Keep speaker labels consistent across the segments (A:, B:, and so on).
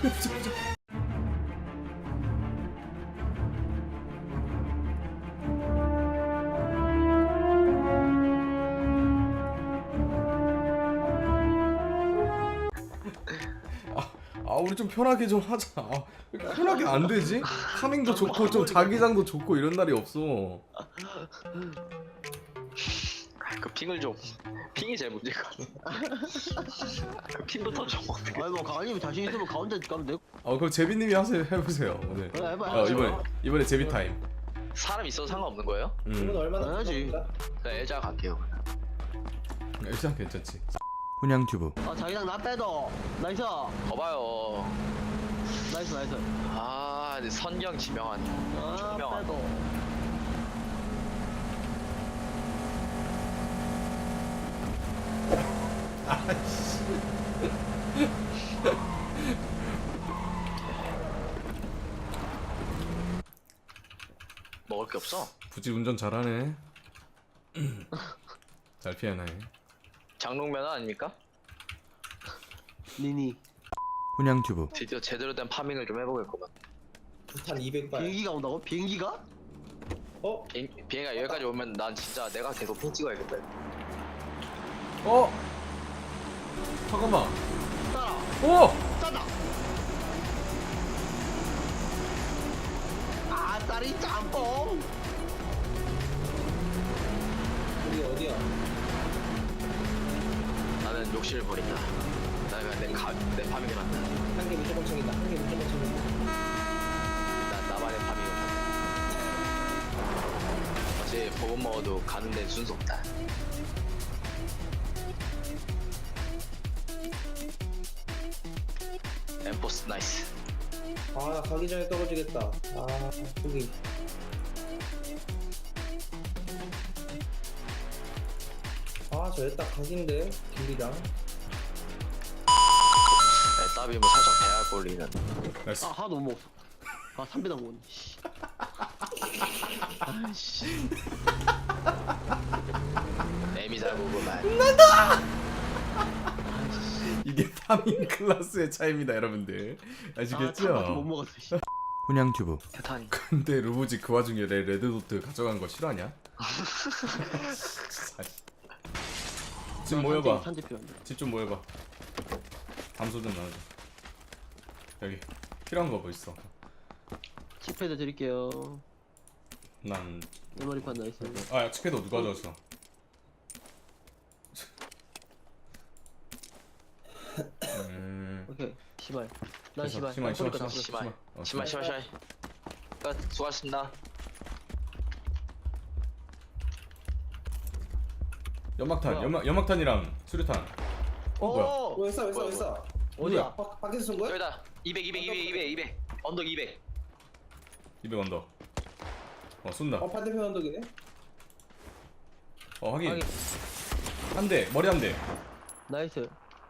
A: 우리 좀 편하게 좀 하자. 왜 이렇게 편하게 안 되지? 타밍도 좋고 좀 자기장도 좋고 이런 날이 없어.
B: 그 핑을 좀 핑이 제일 문제인 것 같아. 그 핑부터 좀 어떻게.
C: 아니 뭐 강아님 자신 있으면 가운데 가면 되고.
A: 그럼 제비님이 해보세요 오늘.
C: 그래, 해봐.
A: 이번에 제비 타임.
B: 사람 있어도 상관없는 거예요?
D: 이건 얼마나
C: 당연하지.
B: 그냥 엘자 갈게요.
A: 일단 괜찮지. 훈양튜브.
C: 자기장 나 빼도. 나이스.
B: 거봐요.
C: 나이스.
B: 근데 선경 지명한. 총명한.
C: 빼도.
B: 먹을 게 없어.
A: 굳이 운전 잘하네. 잘 피하네.
B: 장롱면허 아닙니까?
C: 니니.
A: 훈양튜브.
B: 드디어 제대로 된 파밍을 좀 해보겠구만.
D: 부탄 200발.
C: 비행기가 온다고? 비행기가?
B: 비행기가 여기까지 오면 난 진짜 내가 계속 핑 찍어야겠다.
A: 잠깐만.
C: 따라.
A: 오!
C: 짜다. 딸이 짬뽕.
D: 우리 어디야?
B: 나는 욕심을 버린다. 나는 그냥 내 파밍을 한다.
D: 한 개 무조건 챙긴다. 한 개 무조건 챙긴다.
B: 난 나만의 파밍을 한다. 어차피 버거 먹어도 가는 데는 순서 없다. 엠포스 나이스.
D: 나 가기 전에 떨어지겠다. 여기. 저기 딱 각인데 길이랑.
B: 따비 뭐 살짝 배알 꼴리는.
A: 나이스.
C: 하나도 못 먹었어. 3배당 먹었네. 아이씨.
B: 애미 잘 보고만.
A: 이게 파밍 클래스의 차이입니다, 여러분들. 아시겠죠?
C: 못 먹었어. 씨.
A: 훈양튜브.
B: 대탄이.
A: 근데 루브지 그 와중에 내 레드도트 가져간 거 싫어하냐? 집 모여봐. 집 좀 모여봐. 담소 좀 나눠줘. 여기 필요한 거 뭐 있어?
C: 칩패드 드릴게요.
A: 난
C: 메모리판 나이스.
A: 칩패드 누가 가져왔어?
C: 오케이. 시발. 난
A: 됐어.
C: 시발.
B: 심할. 끝. 수고하셨습니다.
A: 연막탄,
C: 뭐야?
A: 연막탄이랑 수류탄. 뭐야?
D: 왜 써?
C: 어디야?
D: 밖에서 쏜 거야?
B: 여기다. 200. 언덕 200.
A: 200 언더. 쏜다.
D: 반대편 언덕이네.
A: 확인. 한 대, 머리 한 대.
C: 나이스.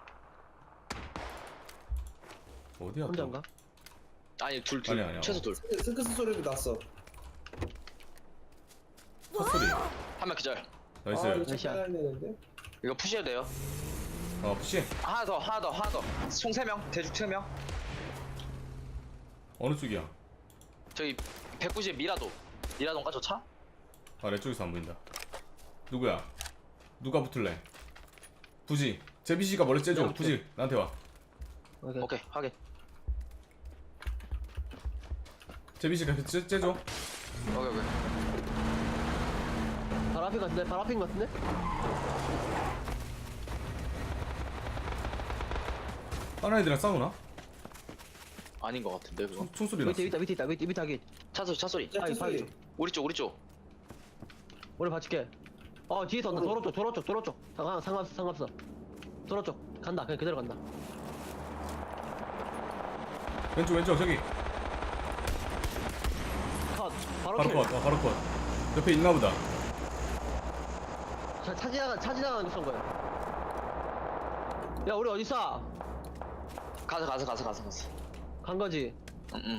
A: 어디야?
C: 혼자인가?
B: 아니 둘.
A: 아니야.
B: 최소 둘.
D: 스크스 소리도 났어.
A: 첫 소리.
B: 한 명 기절.
A: 나이스.
D: 이거
C: 나이스야.
D: 잠깐 해야 되는데.
B: 이거 푸시해도 돼요.
A: 푸시.
B: 하나 더. 총 3명. 대죽 3명.
A: 어느 쪽이야?
B: 저기 190 미라도. 미라도인가 저 차?
A: 내 쪽에서 안 보인다. 누구야? 누가 붙을래? 부지. 제비씨가 머리 째줘. 부지. 나한테 와.
B: 오케이 확인.
A: 제비씨가 째줘.
B: 오케이.
C: 바로 앞인 것 같은데?
A: 다른 애들이랑 싸우나?
B: 아닌 것 같은데 그거.
A: 총소리 났어.
C: 밑에 있다.
B: 차 소리.
D: 야,
C: 아이,
D: 소리.
B: 우리 쪽.
C: 오래 받칠게. 뒤에서 온다. 도로 쪽. 상관없어. 도로 쪽. 간다. 그냥 그대로 간다.
A: 왼쪽 저기.
C: 컷.
A: 바로 컷. 옆에 있나 보다.
C: 차 지나가는 거 쏜 거야. 야, 우리 어디 있어?
B: 가서.
C: 간 거지.
B: 응.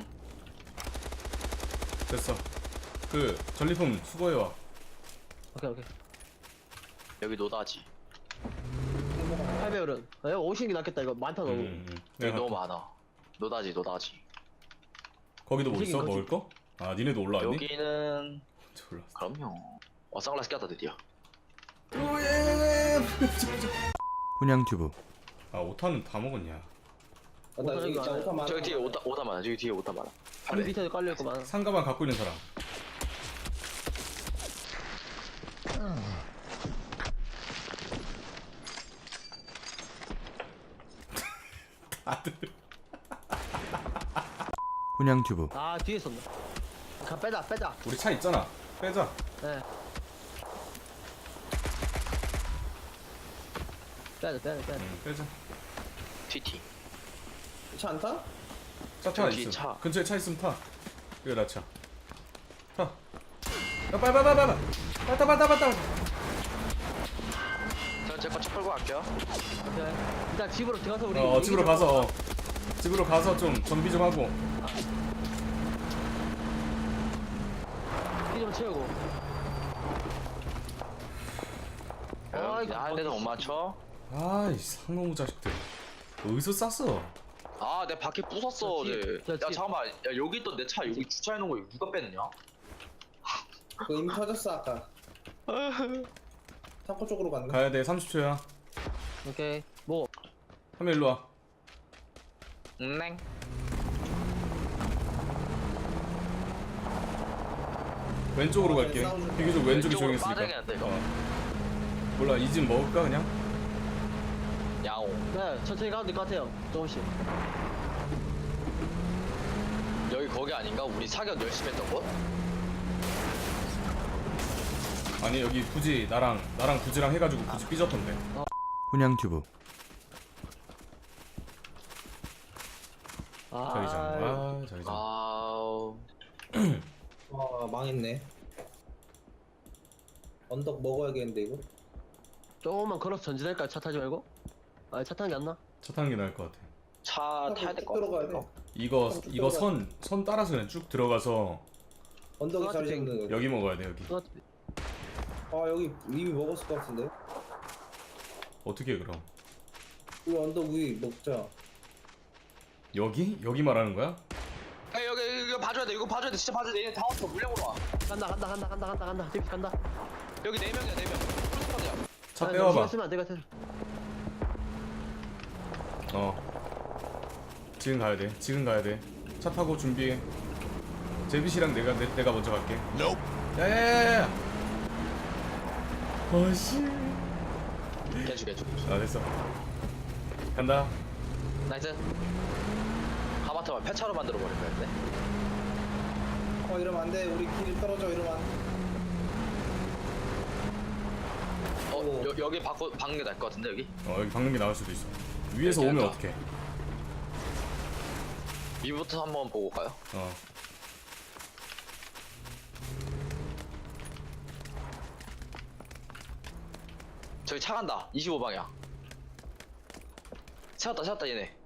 A: 됐어. 그 전리품 수거해와.
C: 오케이.
B: 여기 노다지.
C: 8배율은. 야, 50이 낫겠다. 이거 많다 너무.
B: 여기 너무 많아. 노다지.
A: 거기도 뭐
C: 움직인
A: 있어?
C: 거지.
A: 먹을 거? 아 니네도 올라왔니?
B: 여기는
A: 졸라.
B: 그럼요. 선글라스 꼈다 드디어.
E: 훈양튜브
A: 아 오타는 다 먹었냐?
D: 아, 나 여기
C: 이거
D: 진짜
C: 안 해.
D: 오타 많아.
B: 저기 뒤에 오타 많아. 저기 뒤에 오타 많아.
C: 물 밑에도 깔려있구만.
A: 상가만 갖고 있는 사람. 다들
E: 훈양튜브
C: 아 뒤에 있었네. 빼자.
A: 우리 차 있잖아. 빼자.
C: 네. 빼자.
A: 응, 빼자.
B: TT.
D: 차 안 타?
A: 차
B: 저기
A: 있음.
B: 차.
A: 근처에 차 있으면 타. 이거 나 차. 타. 야 빨리. 빨리.
B: 저는 제거 차 끌고 갈게요.
C: 오케이. 일단 집으로 들어가서 우리.
A: 집으로
C: 얘기 좀
A: 가서
C: 하고.
A: 집으로 가서 좀 정비 좀 하고.
C: 피 좀 채우고. 아, 이거
B: 한 대도 못 맞춰.
A: 아이 상놈 자식들. 어디서 쌌어?
B: 아, 내 바퀴 부쉈어
C: 저
B: 어제.
C: 뒤에, 저
B: 야
C: 뒤에.
B: 잠깐만. 야 여기 있던 내 차 여기 주차해 놓은 거 이거 누가 뺐느냐?
D: 그거 이미 터졌어 아까. 타코 쪽으로 갔네.
A: 가야 돼. 30초야.
C: 오케이. 뭐.
A: 하면 일로 와.
B: 넹.
A: 왼쪽으로 갈게.
D: 싸우죠.
A: 비교적 왼쪽이
B: 왼쪽으로
A: 조용했으니까.
B: 빠져야겠는데, 이거.
A: 몰라 이 집 먹을까 그냥?
B: 야옹.
C: 네, 천천히 가도 될 것 같아요. 조금씩.
B: 여기 거기 아닌가? 우리 사격 열심히 했던 곳?
A: 아니 여기 굳이 나랑 구지랑 해가지고 굳이 삐졌던데.
E: 훈양튜브
A: 자기장.
B: 아우.
D: 아 망했네. 언덕 먹어야겠는데 이거.
C: 조금만 걸어서 전진할까요? 차 타지 말고? 아, 차 타는 게 안 나?
A: 차 타는 게 나을 것 같아.
B: 차 타야 될 것
D: 들어가야
B: 같은데.
D: 돼.
A: 이거
D: 쭉
A: 이거
D: 들어가.
A: 선 따라서 그냥 쭉 들어가서
D: 언덕이 자리
C: 스마트
D: 잡는 거.
A: 여기 먹어야 돼 여기.
D: 아 여기 이미 먹었을 것 같은데.
A: 어떻게 해 그럼?
D: 우리 언덕 위 먹자.
A: 여기? 여기 말하는 거야?
B: 야 여기 이거 봐줘야 돼. 이거 봐줘야 돼. 진짜 봐줘야 돼. 얘네 다 왔어. 물량으로 와.
C: 간다. 데이비 간다.
B: 여기 4명이야 4명. 풀스쿼드야.
A: 차
C: 아,
A: 빼와봐.
C: 신경 쓰면 안 될 것 같아.
A: 지금 가야 돼. 차 타고 준비해. 제빗이랑 내가 먼저 갈게. 야야야야. 어씨.
B: 개주.
A: 아 됐어. 간다.
B: 나이스. 하마터만 폐차로 만들어 버릴 거야 근데.
D: 이러면 안 돼. 우리 길 떨어져 이러면 안 돼.
B: 여기 박는 게 나을 것 같은데 여기?
A: 여기 박는 게 나을 수도 있어. 위에서
B: 여기
A: 오면
B: 할까?
A: 어떡해?
B: 위부터 한번 보고 올까요? 저기 차 간다. 25방향. 세웠다 얘네.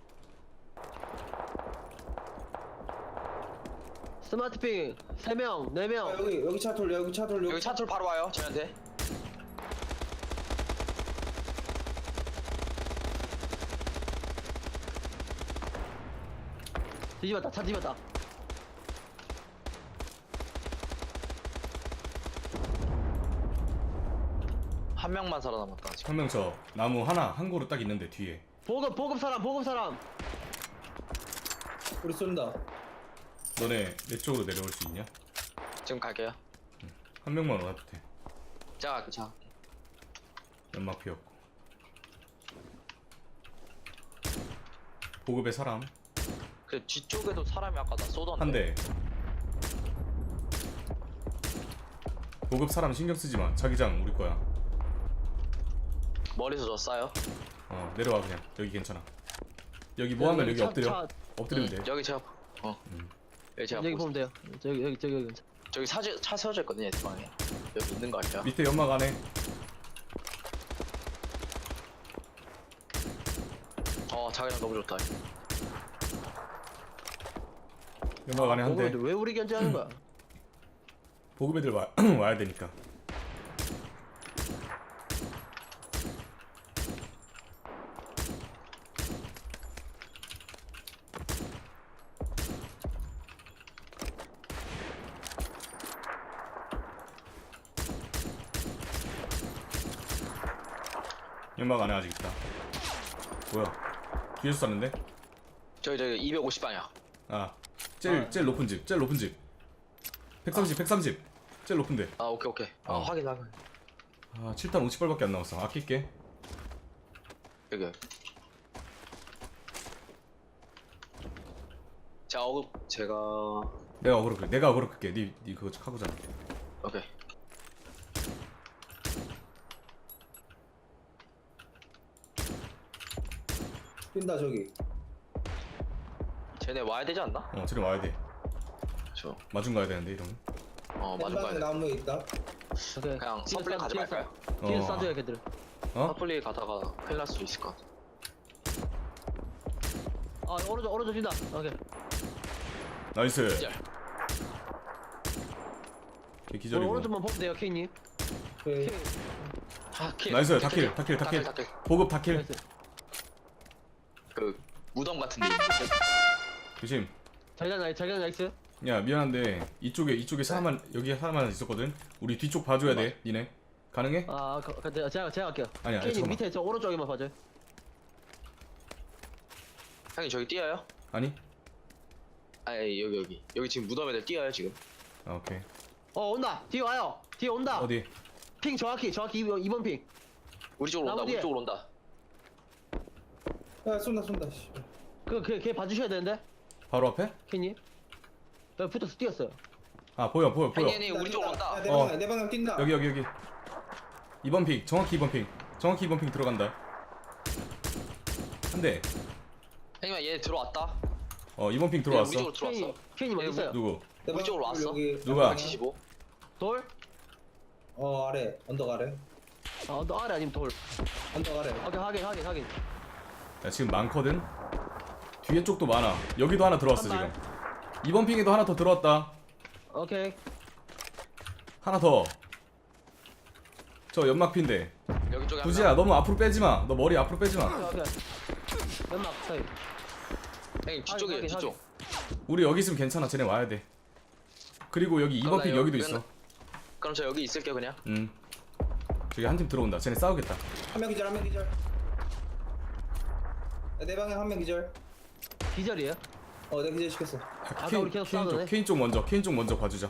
C: 스마트핑 3명, 4명.
D: 여기 차 돌려. 여기 차 돌려.
B: 여기 차툴 바로 와요 저희한테.
C: 차 뒤집었다.
B: 한 명만 살아남았다 지금.
A: 한 명 저 나무 한 그루 딱 있는데 뒤에.
C: 보급 사람.
D: 우리 쏜다.
A: 너네 내 쪽으로 내려올 수 있냐?
B: 지금 갈게요.
A: 한 명만 와도 돼.
B: 자 갈게 자.
A: 연막 피었고. 보급에 사람
B: 그 뒤쪽에도 사람이 아까 나 쏘던데.
A: 한 대. 보급 사람 신경 쓰지 마. 자기장 우리 거야.
B: 머리서 저 쏴요.
A: 내려와 그냥. 여기 괜찮아. 여기 뭐 하면 여기 엎드려. 엎드리면 돼.
B: 여기 제가 여기 제가
C: 여기
B: 보고
C: 보면 돼요. 저기.
B: 저기 차 세워져 있거든요 얘 방에. 여기 있는 거 같아요.
A: 밑에 연막 안에.
B: 자기랑 너무 좋다.
A: 연막 안에 한 대.
C: 보급인데 왜 우리 견제하는 거야?
A: 보급 애들 와야 되니까. 연막 안에 아직 있다. 뭐야? 뒤에서 쐈는데?
B: 저기 250방향.
A: 아, 제일 높은 집, 제일 높은 집. 130. 제일 높은데.
B: 아 오케이. 아
A: 어.
B: 확인.
A: 아, 7탄 50발밖에 안 남았어. 아낄게.
B: 여기. 제가
A: 내가 어그로 끌게. 니 그거 하고잖아.
B: 오케이.
D: 뛴다 저기.
B: 쟤네 와야 되지 않나?
A: 쟤네 와야 돼.
B: 저.
A: 마중 가야 되는데 이러면.
B: 맞은
D: 왼방에
B: 가야 돼.
D: 나무에 있다.
C: 오케이.
B: 그냥 서플리 가지 말까요?
C: 뒤에서 싸줘야 걔들.
B: 서플리 가다가 큰일 날 수 있을 것 같아.
C: 아 오른쪽 뛴다. 오케이.
A: 나이스.
B: 기절.
A: 걔 기절이고.
C: 오른쪽만 보면 돼요 케이님.
D: 오케이.
B: 킬.
A: 나이스. 다킬. 보급 다킬.
C: 나이스.
B: 그 무덤 같은 데.
A: 조심.
C: 자기장 나이스.
A: 야 미안한데 이쪽에 사람만 여기 사람만 있었거든. 우리 뒤쪽 봐줘야 돼. 니네 가능해?
C: 아 제가 할게요.
A: 아니야,
C: 케이님
A: 잠깐만.
C: 밑에 저 오른쪽에만 봐줘요.
B: 형님 저기 뛰어요?
A: 아니?
B: 아니 여기 지금 무덤 애들 뛰어요 지금.
A: 아 오케이.
C: 온다. 뒤에 와요. 뒤에 온다.
A: 어디?
C: 핑 정확히 2번 핑.
B: 우리 쪽으로 온다.
C: 나무 뒤에.
B: 우리 쪽으로 온다.
D: 야 쏜다. 씨.
C: 걔 봐주셔야 되는데
A: 바로 앞에?
C: 케이님. 여기 붙어서 뛰었어요.
A: 아 보여.
B: 아니 우리 쪽으로 온다.
D: 내 방향 뛴다.
A: 여기. 2번 핑. 정확히 2번 핑 들어간다. 한 대.
B: 형님 얘 들어왔다.
A: 2번 핑
B: 얘
A: 들어왔어.
B: 우리 쪽으로 들어왔어.
C: 케이님 어디 있어요?
A: 누구?
D: 내
B: 우리 쪽으로 왔어.
D: 여기
A: 누가?
B: 175.
C: 돌?
D: 아래. 언덕 아래.
C: 너 아래 아니면 돌.
D: 언덕 아래.
C: 오케이 확인.
A: 야 지금 많거든. 뒤에 쪽도 많아. 여기도 하나 들어왔어
C: 한
A: 지금. 2번 핑에도 하나 더 들어왔다.
C: 오케이.
A: 하나 더. 저 연막핀데.
B: 여기 쪽에
A: 두지야 너무 앞으로 빼지 마. 너 머리 앞으로 빼지 마.
C: 오케이. 연막 사이.
B: 형님 뒤쪽에
C: 확인,
B: 뒤쪽.
A: 우리 여기 있으면 괜찮아. 쟤네 와야 돼. 그리고 여기 2번 핑
B: 나
A: 여기도
B: 여기
A: 있어.
B: 그럼 저 여기 있을게요 그냥.
A: 저기 한 팀 들어온다. 쟤네 싸우겠다.
D: 한 명 기절. 내 방향 한 명 기절.
C: 기절이에요?
D: 내가 기절 시켰어.
C: 아까 우리 계속 싸우던데?
A: 케인 쪽 먼저 봐주자.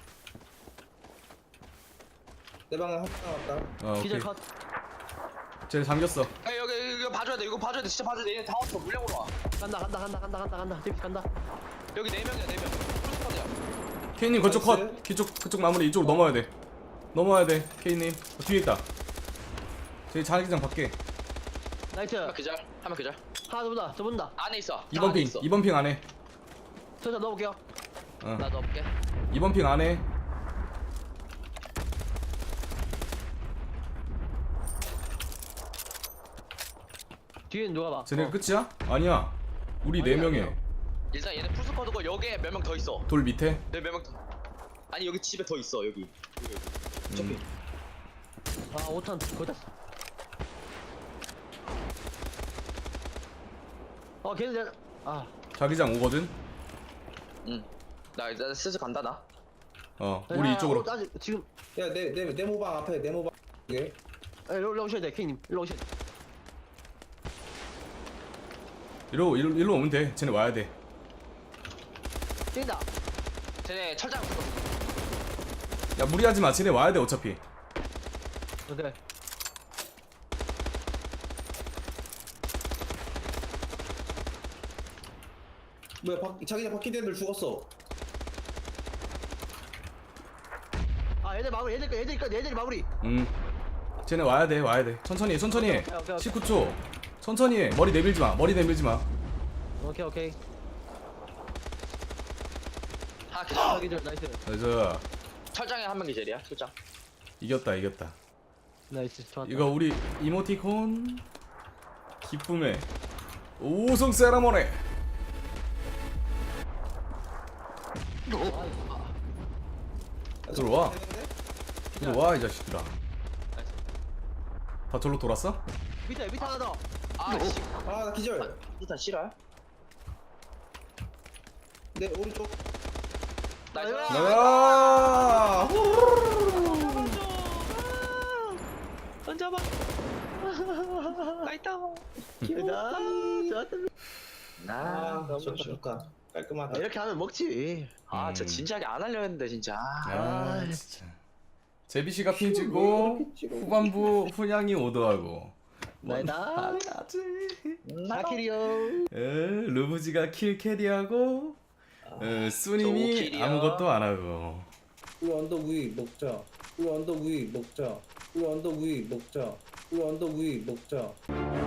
D: 내 방향 한 명 왔다.
A: 오케이.
C: 기절 컷.
A: 쟤네 잠겼어.
B: 야 여기 이거 봐줘야 돼. 이거 봐줘야 돼. 진짜 봐줘야 돼. 얘네 다 왔어. 물량으로 와.
C: 간다. 딥 간다.
B: 여기 4명이야 4명. 풀스쿼드야.
A: 케인님 그쪽
D: 나이스.
A: 컷. 그쪽 마무리 이쪽으로 넘어야 돼. 케인님 뒤에 있다. 저기 자기장 밖에.
C: 나이스.
B: 한명 기절. 한명 기절.
C: 하나 더 본다.
B: 안에 있어.
A: 2번 핑. 2번 핑 안에.
C: 저 넣어볼게요.
B: 나 넣어볼게.
A: 2번 핑 안에.
C: 뒤에는 누가 봐.
A: 쟤네가 끝이야? 아니야. 우리
C: 아니야,
A: 4명에
C: 아니야.
B: 일단 얘네 풀스쿼드고 여기에 몇 명 더 있어.
A: 돌 밑에.
B: 네 몇 명 더. 아니 여기 집에 더 있어 여기.
A: 음.
C: 5탄 거의 다. 걔는
A: 자기장 오거든.
B: 나 일단 슬슬 간다 나.
A: 우리 이쪽으로.
C: 아직 지금
D: 내 모방 앞에 내 모방. 이게.
C: 일로 오셔야 돼, 케이님. 일로 오셔야 돼.
A: 일로 오면 돼. 쟤네 와야 돼.
C: 뛴다.
B: 쟤네 철장 붙었어.
A: 야 무리하지 마. 쟤네 와야 돼 어차피.
C: 오케이.
D: 뭐야 자기장 바퀴 애들 죽었어.
C: 얘들 마무리. 얘들 마무리.
A: 쟤네 와야 돼. 천천히 해.
C: 오케이.
A: 19초. 천천히 해. 머리 내밀지 마.
C: 오케이.
B: 하나 기절.
C: 기절. 나이스.
A: 그래서
B: 철장에 한 명 기절이야. 철장.
A: 이겼다.
C: 나이스. 좋았다.
A: 이거 우리 이모티콘 기쁨의 우승 세라모니. 들어와 이 자식들아. 다 절로 돌았어?
C: 밑에 하나 더.
B: 아씨.
D: 나 기절.
B: 일단 싫어요?
D: 내 오른쪽.
B: 나이스.
A: 야!
C: 던져봐.
B: 나이다.
C: 기회다. 좋았다.
B: 아, 너무
D: 좋다
B: 좋다.
D: 좋다. 깔끔하다.
C: 이렇게 하면 먹지.
B: 아, 저 진지하게 안 하려 했는데 진짜.
A: 아 진짜 제비씨가 핑 찍고 후반부 훈양이 오더하고
C: 나이다. 아키리오.
A: 루브지가 킬 캐리하고 수님이
B: 킬이야.
A: 아무것도 안 하고
D: 우리 언덕 위 먹자. 우리 언덕 위 먹자. 우리 언덕 위 먹자. 우리 언덕 위 먹자.